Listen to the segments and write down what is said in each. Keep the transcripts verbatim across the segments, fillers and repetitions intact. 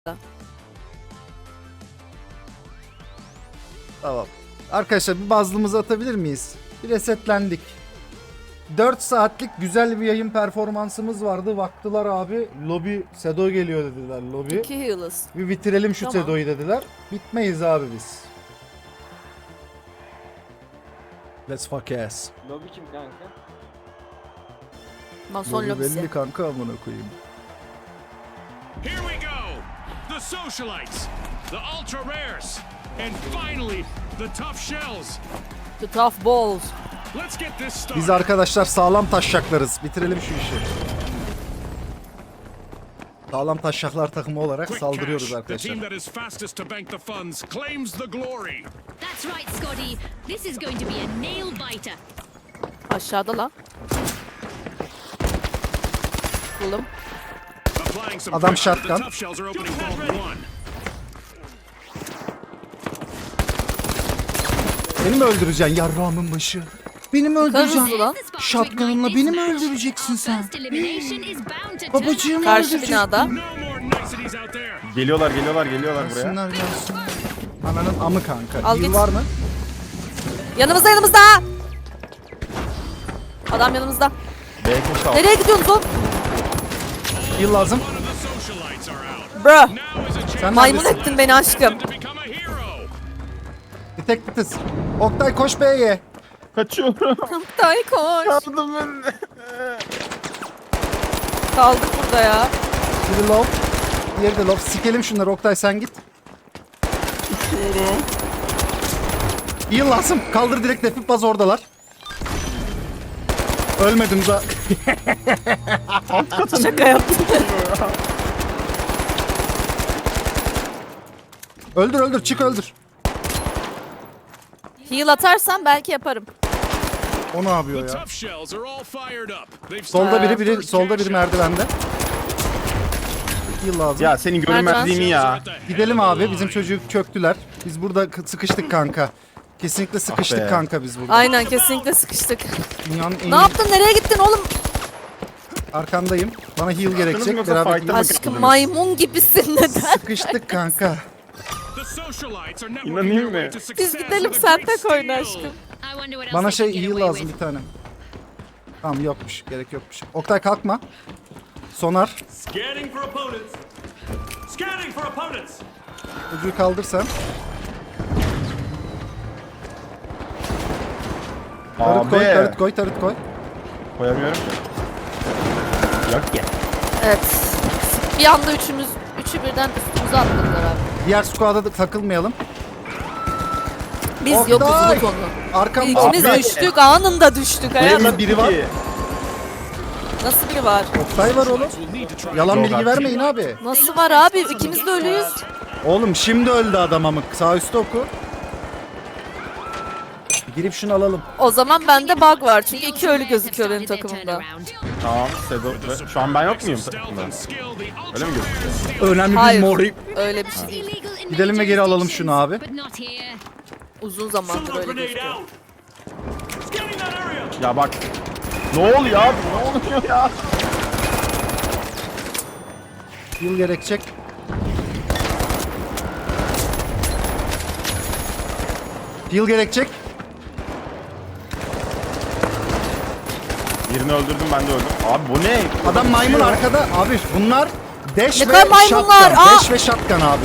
Tamam. Arkadaşlar bir bazlımızı atabilir miyiz? Bir resetlendik. dört saatlik güzel bir yayın performansımız vardı. Vaktılar abi. Lobi Sedo geliyor dediler lobi. İki healers. Bir bitirelim şu Tamam. Sedo'yu dediler. Bitmeyiz abi biz. Let's fuck ass. Lobi kim kanka? Mason Lobi lobisi. belli kanka amına koyayım. Here we go! The socialites, the ultra rares, and finally the tough shells. The tough balls. Let's get this started. Biz arkadaşlar sağlam taşşaklarız. Bitirelim şu işi. Sağlam taşşaklar takımı olarak Quick saldırıyoruz cash. The arkadaşlar. team that is fastest to bank the funds claims the glory. That's right, Scotty. This is going to be a nail biter. Aşağıda lan. Buldum. Applying some Adam pressure, shotgun. The tough shells are opening vault one. Beni mi öldüreceksin yarrağımın başı? Beni mi öldüreceksin? Karısı lan. Shotgun'la beni mi öldüreceksin sen? First elimination is bound to turn Babacığım out Karşı öldürecek. binada. No more niceties out there. Geliyorlar geliyorlar geliyorlar buraya. Gelsinler gelsin. Ananın amı kanka. Al Heal git. var mı? Yanımızda yanımızda. Adam yanımızda. B K al. Nereye gidiyorsunuz oğlum? Heal lazım. One of the socialites are out. Bro. Now is a chance Sen Maymun neredesin? ettin beni aşkım. to become a hero. Bir tek bir tıs. Oktay koş B'ye. Kaçıyorum. Tay koş. Yardım edin. Kaldık burada ya. Biri low. Diğeri de low. Sikelim şunları Oktay sen git. Heal lazım. Kaldır direkt defip baz oradalar. Ölmedim za. Şaka yaptım. Öldür öldür çık öldür. Heal atarsan belki yaparım. O ne yapıyor The ya? tough shells are all fired up. They've Solda started biri biri first solda biri cash out. merdivende. Heal lazım. Ya senin görünmezliğini ya. Gidelim abi. Bizim çocuğu köktüler. Biz burada k- sıkıştık kanka. Kesinlikle sıkıştık be. kanka biz burada. Aynen kesinlikle sıkıştık. Dünyanın en Ne yaptın? Nereye gittin oğlum? arkandayım. Bana heal gerekecek. yoksa Beraber fight'a mı gidelim. Aşkım maymun gibisin neden? Sıkıştık kanka. The socialites are networking İnanayım their way mı? to success Biz gidelim with a sen great tek oyna steal. aşkım. I wonder what else Bana they şey can get heal away lazım with. bir tane. Tamam yokmuş. Gerek yokmuş. Oktay kalkma. Sonar. Scanning for opponents. Scanning for opponents. Çocuğu kaldır sen. Tarıt koy, Abi. tarıt koy, tarıt koy. Koyamıyorum ki. Yok ya. Evet. Bir anda üçümüz, üçü birden üstümüze atladılar abi. Diğer squad'a da takılmayalım. Biz Oktay! yokuz unut onu. Arkamda İkimiz Abi. düştük, anında düştük hayatım. Burada biri var. Nasıl biri var? Oktay var oğlum. We'll need to try Yalan Yok bilgi artık. vermeyin abi. Nasıl var abi? İkimiz de ölüyüz. Oğlum şimdi öldü adam amık. Sağ üstte oku. Girip şunu alalım. O zaman bende bug var çünkü iki ölü gözüküyor benim takımımda. Tamam. Sedo. Şu an ben yok muyum takımda? Öyle mi gözüküyor? Önemli Hayır. bir mori. Öyle bir şey değil. Illegal in Gidelim ve major geri alalım şunu abi. jurisdictions, but not here. Uzun zamandır Solar öyle grenade gözüküyor. out. Scanning that area. Ya bak. Ne oluyor abi? Ne oluyor ya? Yıl gerekecek. Yıl gerekecek. Birini öldürdüm ben de öldüm. Abi bu ne? Adam maymun arkada. Abi bunlar dash Ne ve kadar maymunlar? shotgun. Aa! Dash ve shotgun abi.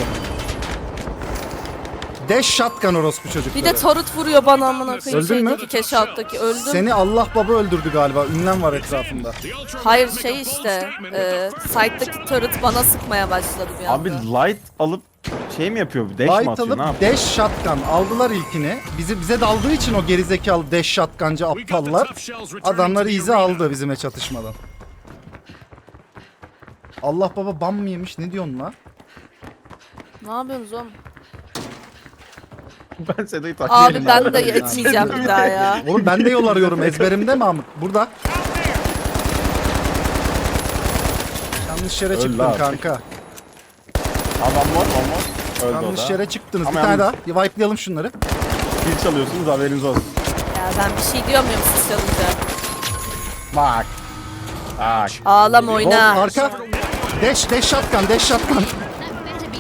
Dash shotgun orospu çocukları. Bir de tarıt vuruyor bana amına koyayım. Öldün mü? Şeydeki keş alttaki öldüm. Seni Allah baba öldürdü galiba. Ünlem var etrafında. Hayır şey işte. E, site'daki tarıt bana sıkmaya başladı bir anda. Abi light alıp şey mi yapıyor? Dash mi Light atıyor? alıp Ne yapıyor? dash shotgun aldılar ilkini. Bizi bize daldığı için o gerizekalı dash shotguncı aptallar adamları izi aldı bizime çatışmadan. Allah baba bam mı yemiş? Ne diyorsun lan? Ne yapıyorsunuz oğlum? Ben Sedo'yu takip Abi ediyorum. ben de etmeyeceğim bir daha ya. Oğlum ben de yol arıyorum ezberimde mi Amık? Burada. Yanlış yere Öl çıktın lan. kanka. Adam var olmaz. Öldü Yanlış o da. yere çıktınız. Ama bir tane daha. yalnız- Bir wipe'layalım şunları. Kill çalıyorsunuz haberiniz olsun. Ya ben bir şey diyor muyum siz çalınca? Bak. Bak. Ağlam Oğlum oyna. arka. Dash, dash shotgun, dash shotgun. That better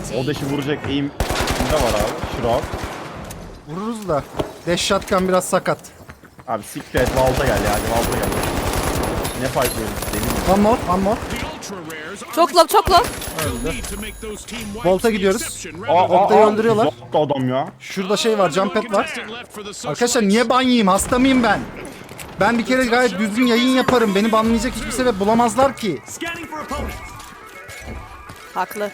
casualty. O deşi vuracak eğim de var abi. Shroud. Vururuz da. Dash shotgun biraz sakat. Abi siktir et Valda gel ya. Hadi Valda gel. Ne fight veriyoruz deli mi? One more, one more. The ultra rares are Çok low, çok low. You'll need to make those team wipes Volta the gidiyoruz. exception Aa, rather than- Volta'yı aa, öldürüyorlar. uzattı adam ya. Şurada şey var, jump pad var. Contestant left for the Arkadaşlar socialites. niye ban yiyeyim? Hasta mıyım ben? Ben bir kere gayet düzgün yayın yaparım. Beni banlayacak hiçbir sebep bulamazlar ki. Scanning for opponents. Haklı.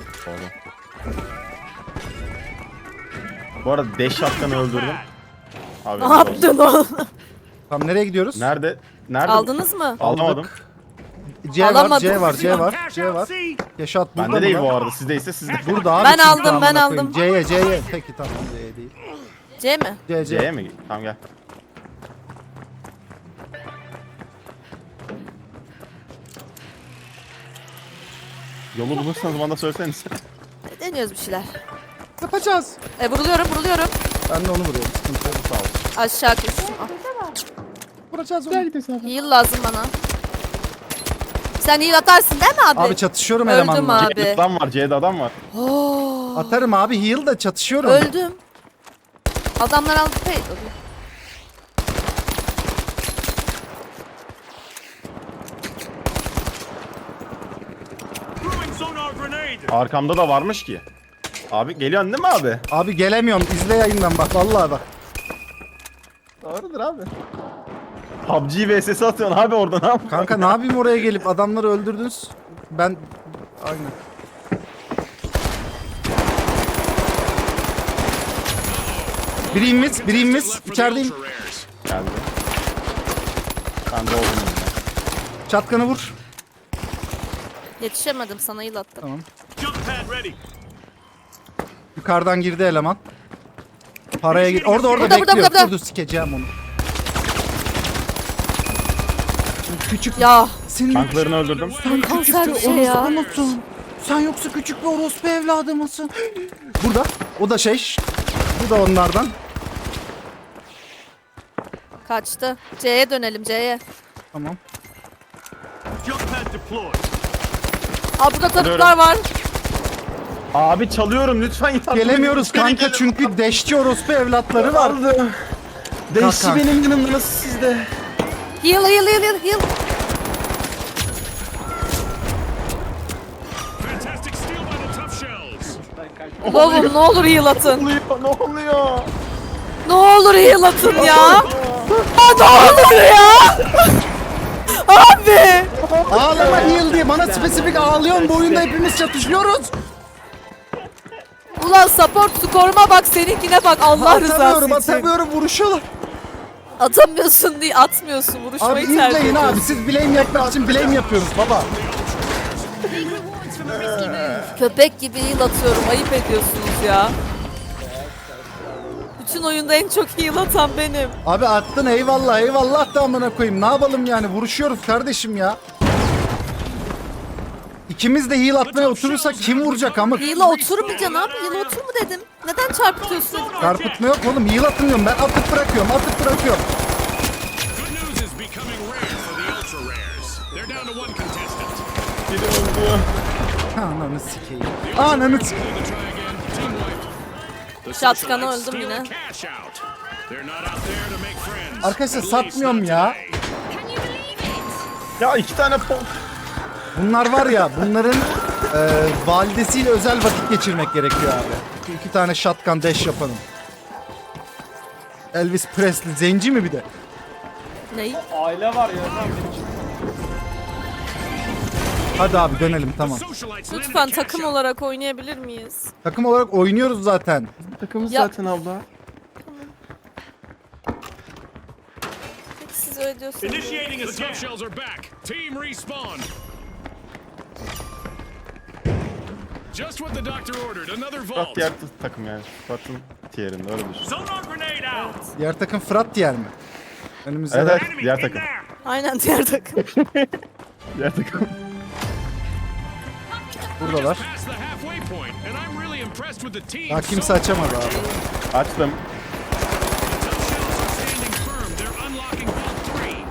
Bu arada Dash Shotgun'ı öldürdüm. Abi, Ne yaptın oğlum? Tamam nereye gidiyoruz? Nerede? Nerede? Aldınız mı? Alamadım. C var, Alamadım. C var, C var, Cash C out var. C. Yaşat burada Bende değil mı bu lan? arada. Sizdeyse sizde. Burada abi. Ben çünkü aldım, amına ben koyayım. aldım. C'ye, C'ye. Peki tamam C'ye değil. C mi? C, C'ye C. mi? Tamam gel. Yolu bulursanız bana da söyleseniz. Deniyoruz bir şeyler. Yapacağız. E vuruluyorum, vuruluyorum. Ben de onu vuruyorum. Sıkıntı yok. Sağ ol. Aşağı düştüm. Ah. Vuracağız onu. Heal lazım bana. Sen heal atarsın değil mi abi? Abi çatışıyorum Öldüm elemanla. abi. C'de adam var. C'de adam var. Oo, Atarım abi heal da çatışıyorum. öldüm. Adamlar aldı pay. Throwing sonar grenade. Arkamda da varmış ki. Abi geliyorsun değil mi abi? Abi gelemiyorum. İzle yayından bak. Vallahi bak. Doğrudur abi. P U B G vs atıyorsun abi orada ne yapıyorsun? Kanka ne yapayım oraya gelip adamları öldürdünüz. Ben... Aynen. Biri invis, biri invis. Left for the İçerideyim. ultra rares. Geldi. Ben de oldum yine. Çatkanı vur. Yetişemedim sana heal attım. Tamam. Jump pad ready. Yukarıdan girdi eleman. Paraya gir. Orada orada Burada, burada, bekliyor. burada. Dur dur sikeceğim onu. Şimdi küçük Ya senin Tanklarını öldürdüm. kanser bir şey orospu ya. musun? Sen yoksa küçük bir orospu evladı mısın? Burada. O da şey. Bu da onlardan. Kaçtı. C'ye dönelim C'ye. Tamam. Jump pad deployed. Aa burada tarıklar var. Abi çalıyorum lütfen yardım Gelemiyoruz edin. kanka çünkü deşçi orospu evlatları var. Aldı. Değişti Kalk, kalk. benim yanımda nasıl sizde? Heal heal heal heal heal. Fantastic steal by the tough shells. Lovum ne olur heal Ne atın. oluyor? Ne oluyor? Ne olur heal atın ya. Aa ne olur ya. Abi. Ağlama heal diye bana spesifik ağlıyorsun. Bu oyunda hepimiz çatışıyoruz. Ulan support skoruma bak seninkine bak Allah rızası Atamıyorum için. atamıyorum vuruşuyorlar. Atamıyorsun değil atmıyorsun Abi vuruşmayı tercih izleyin ediyorsun. abi siz blame yapmak için blame yapıyoruz baba. Big rewards from a risky move. Köpek gibi heal atıyorum ayıp ediyorsunuz ya. Bütün oyunda en çok heal atan benim. Abi attın eyvallah eyvallah da amına koyayım. Ne yapalım yani vuruşuyoruz kardeşim ya. İkimiz de heal atmaya oturursak kim vuracak amık? Heal'a oturmayacaksın abi. Heal'a otur mu dedim. Neden çarpıtıyorsun? Çarpıtma yok oğlum heal atın diyorum ben atıp bırakıyorum atıp bırakıyorum. Good news is becoming rare for the ultra rares. They're down to one contestant. Biri öldü. Ananı sikeyim. Ananı sikeyim. Able to try again. Team wiped. The Şatkanı socialites öldüm steal yine. a cash out. They're not out there to make friends. Arkadaşlar At least satmıyorum not ya. today. Can you believe it? Ya iki tane pop. Bunlar var ya bunların e, validesiyle özel vakit geçirmek gerekiyor abi. İki tane shotgun dash yapalım. Elvis Presley zenci mi bir de? Ney? Hadi abi dönelim tamam. Socialites landed a Lütfen cash takım out. olarak oynayabilir miyiz? Takım olarak oynuyoruz zaten. Takımız Ya- zaten abla. Peki siz öyle diyorsunuz. Initiating a The scan. tough shells are back. Team respawn. Just what the doctor ordered. Another Fırat vault. diğer t- takım yani. Fırat'ın tierinde öyle düşün. Sonar grenade out. Diğer takım Fırat diğer mi? Önümüzde Evet de- evet Enemy diğer in takım. there. Aynen diğer takım. Diğer takım. buradalar. Past the halfway point, and I'm really impressed with the team. Daha kimse so açamadı abi. Açtım. The tough shells are standing firm. They're unlocking vault three.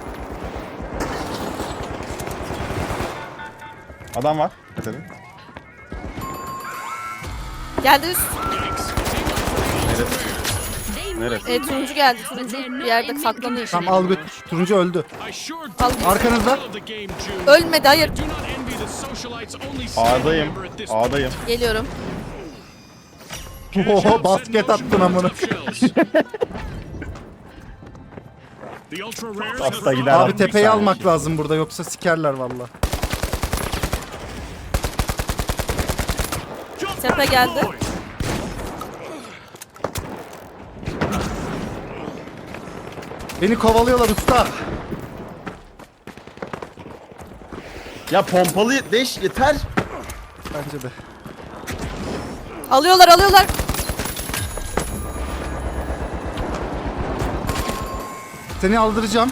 Adam var. Dikkat edin. Geldi üst. They Neresi? E, turuncu geldi. Turuncu bir yerde saklanıyor. Tamam al götür. Turuncu öldü. I sure Al. do Arkanızda. love the game, June. Ölmedi, hayır. Do not envy the socialites only standing A'dayım. member at this point. A'dayım. Geliyorum. Oho basket attın amına. The ultra rares Hasta and the gider. Abi Bir tepeyi saniye. almak lazım burada yoksa sikerler valla. Tepe geldi. Beni kovalıyorlar usta. Ya pompalı deş yeter. Bence de. Alıyorlar, alıyorlar. Seni aldıracağım.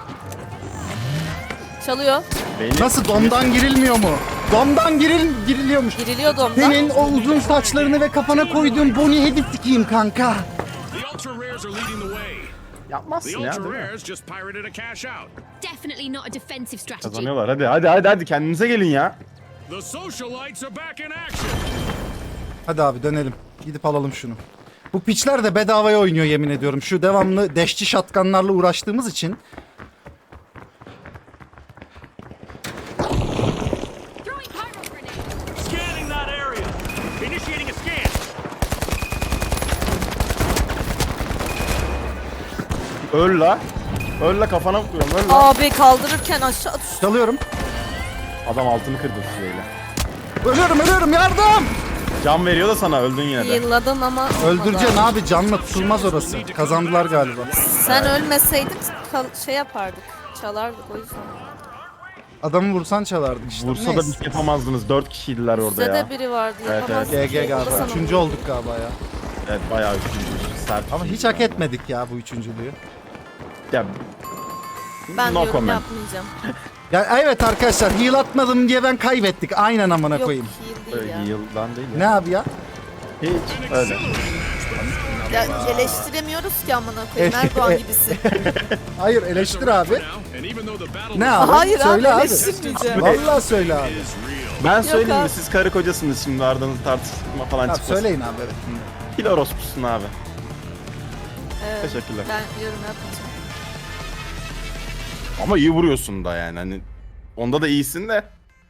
Çalıyor. Beni Nasıl domdan girilmiyor mu? Domdan giril giriliyormuş. Giriliyordu ondan. Senin o uzun saçlarını ve kafana koyduğun Bonnie Hedip sikeyim kanka. The ultra rares are leading the way. yapmazsın The ya ultra değil mi? rares just pirated a cash out. Definitely not a defensive strategy. Kazanıyorlar hadi hadi hadi hadi kendinize gelin ya. The socialites are back in action. Hadi abi dönelim. Gidip alalım şunu. Bu piçler de bedavaya oynuyor yemin ediyorum. Şu devamlı deşçi şatkanlarla uğraştığımız için. Throwing pyro grenade. Scanning that area. Initiating a scan. Öl la. Öl la kafana vuruyorum öl la. Abi kaldırırken aşağı düştü. Çalıyorum. Adam altını kırdı süreyle. Ölüyorum ölüyorum yardım. Can veriyor da sana öldün yine de. Yılladın ama olmadı. Öldüreceksin abi canla tutulmaz orası. Kazandılar galiba. Sen ölmeseydin kal- şey yapardık. Çalardık o yüzden. Adamı vursan çalardık işte. Vursa da Neyse. bir şey yapamazdınız. Dört kişiydiler orada Bizde ya. de biri vardı. Evet, yapamazdık. G G O da galiba. sana Üçüncü vurdu. olduk galiba ya. Evet bayağı üçüncü. Sert. Ama hiç hak etmedik ya bu üçüncülüğü. Ya, Ben no yorum comment. yapmayacağım. Ya evet arkadaşlar heal atmadım diye ben kaybettik. Aynen amına Yok koyayım. heal değil Öyle ya. yıldan değil ya. Ne abi ya? Hiç öyle. Ya eleştiremiyoruz ki amına koyayım. Erdoğan gibisin. Hayır eleştir abi. Now, and even though the battle Ne abi? Hayır söyle abi abi. eleştirmeyeceğim. Vallahi söyle abi. is real. Ben söyleyeyim abi. mi siz karı kocasınız şimdi aranızda tartışma falan Abi çıkmasın. söyleyin abi evet. Pil orospusun abi. Evet, Teşekkürler. ben yorum yapmayacağım. Ama iyi vuruyorsun da yani hani. Onda da iyisin de.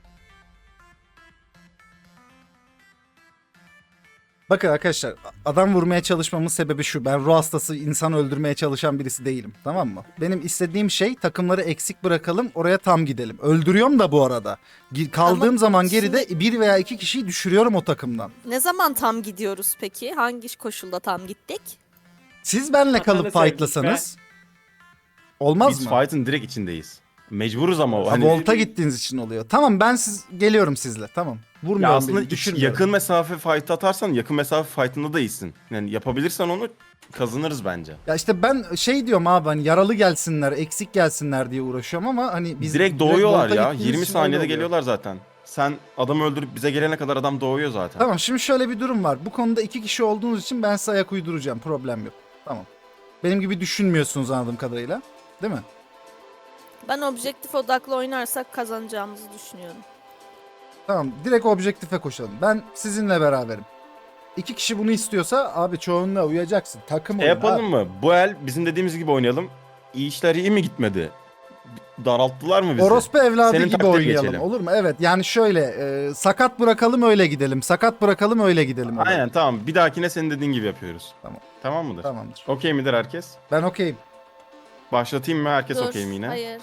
Bakın arkadaşlar adam vurmaya çalışmamın sebebi şu. Ben ruh hastası insan öldürmeye çalışan birisi değilim. Tamam mı? Benim istediğim şey takımları eksik bırakalım oraya tam gidelim. Öldürüyorum da bu arada. Gi- Kaldığım Ama zaman şimdi- geride bir veya iki kişiyi düşürüyorum o takımdan. Ne zaman tam gidiyoruz peki? Hangi koşulda tam gittik? Siz benle kalıp Vatanı sevdik fightlasanız olmaz Biz mı? fight'ın direkt içindeyiz. Mecburuz ama o. Ha, Hani, volta gittiğiniz için oluyor. Tamam ben siz geliyorum sizle. Tamam. Vurmuyorum ya aslında beni, iç- düşürmüyorum. yakın mesafe fight atarsan yakın mesafe fight'ında da iyisin. Yani yapabilirsen onu kazanırız bence. Ya işte ben şey diyorum abi hani yaralı gelsinler, eksik gelsinler diye uğraşıyorum ama hani biz direkt doğuyorlar volta ya. gittiğimiz yirmi için öyle saniyede oluyor. geliyorlar zaten. Sen adamı öldürüp bize gelene kadar adam doğuyor zaten. Tamam şimdi şöyle bir durum var. Bu konuda iki kişi olduğunuz için ben size ayak uyduracağım. Problem yok. Tamam. Benim gibi düşünmüyorsunuz anladığım kadarıyla. Değil mi? Ben objektif odaklı oynarsak kazanacağımızı düşünüyorum. Tamam. Direkt objektife koşalım. Ben sizinle beraberim. İki kişi bunu istiyorsa abi çoğunluğa uyacaksın. Takım E oyunu yapalım abi. mı? Bu el bizim dediğimiz gibi oynayalım. İyi işler iyi mi gitmedi? Daralttılar mı bizi? Orospu evladı Senin gibi taktiğe oynayalım. geçelim. Olur mu? Evet. Yani şöyle e, sakat bırakalım öyle gidelim. Sakat bırakalım öyle gidelim. oraya. Aynen tamam. Bir dahakine senin dediğin gibi yapıyoruz. Tamam. Tamam mıdır? Tamamdır. Okey midir herkes? Ben okeyim. Başlatayım mı? Herkes Dur, okey mi yine? hayır.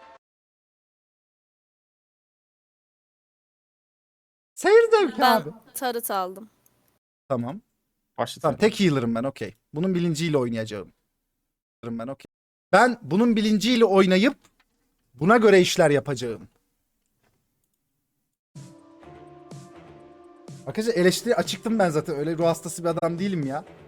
Seyir zevki Ben abi. tarıt aldım. Tamam. Başlatayım. Tamam tek healer'ım ben okey. Bunun bilinciyle oynayacağım. Ben okey. Ben bunun bilinciyle oynayıp buna göre işler yapacağım. Arkadaşlar eleştiri açıktım ben zaten. Öyle ruh hastası bir adam değilim ya.